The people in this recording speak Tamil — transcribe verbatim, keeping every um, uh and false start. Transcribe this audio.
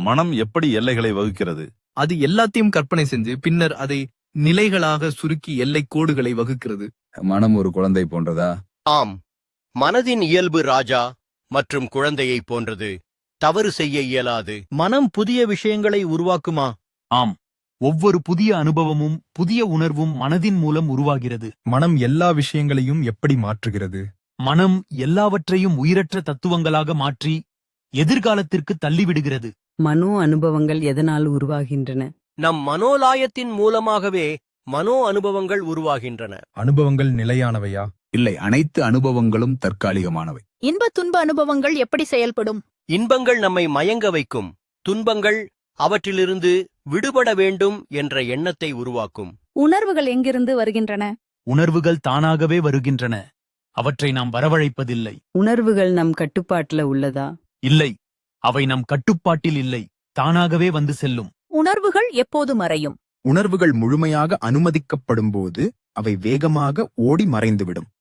மனம் எப்படி எல்லைகளை வகுக்கிறது? அது எல்லாத்தையும் கற்பனை செஞ்சு பின்னர் அதை நிலைகளாக சுருக்கி எல்லை கோடுகளை வகுக்கிறது. மனம் ஒரு குழந்தை போன்றதா? ஆம், மனதின் இயல்பு ராஜா மற்றும் குழந்தையைப் போன்றது. தவறு செய்ய இயலாது. மனம் புதிய விஷயங்களை உருவாக்குமா? ஆம், ஒவ்வொரு புதிய அனுபவமும் புதிய உணர்வும் மனதின் மூலம் உருவாகிறது. மனம் எல்லா விஷயங்களையும் எப்படி மாற்றுகிறது? மனம் எல்லாவற்றையும் உயிரற்ற தத்துவங்களாக மாற்றி எதிர்காலத்திற்கு தள்ளிவிடுகிறது. மனோ அனுபவங்கள் எதனால் உருவாகின்றன? நம் மனோலாயத்தின் மூலமாகவே மனோ அனுபவங்கள் உருவாகின்றன. அனுபவங்கள் நிலையானவையா? இல்லை, அனைத்து அனுபவங்களும் தற்காலிகமானவை. இன்ப துன்ப அனுபவங்கள் எப்படி செயல்படும்? இன்பங்கள் நம்மை மயங்க வைக்கும், துன்பங்கள் அவற்றிலிருந்து விடுபட வேண்டும் என்ற எண்ணத்தை உருவாக்கும். உணர்வுகள் எங்கிருந்து வருகின்றன? உணர்வுகள் தானாகவே வருகின்றன. அவற்றை நாம் வரவழைப்பதில்லை. உணர்வுகள் நம் கட்டுப்பாட்டுல உள்ளதா? இல்லை, அவை நம் கட்டுப்பாட்டில் இல்லை, தானாகவே வந்து செல்லும். உணர்வுகள் எப்போது மறையும்? உணர்வுகள் முழுமையாக அனுமதிக்கப்படும்போது அவை வேகமாக ஓடி மறைந்துவிடும்.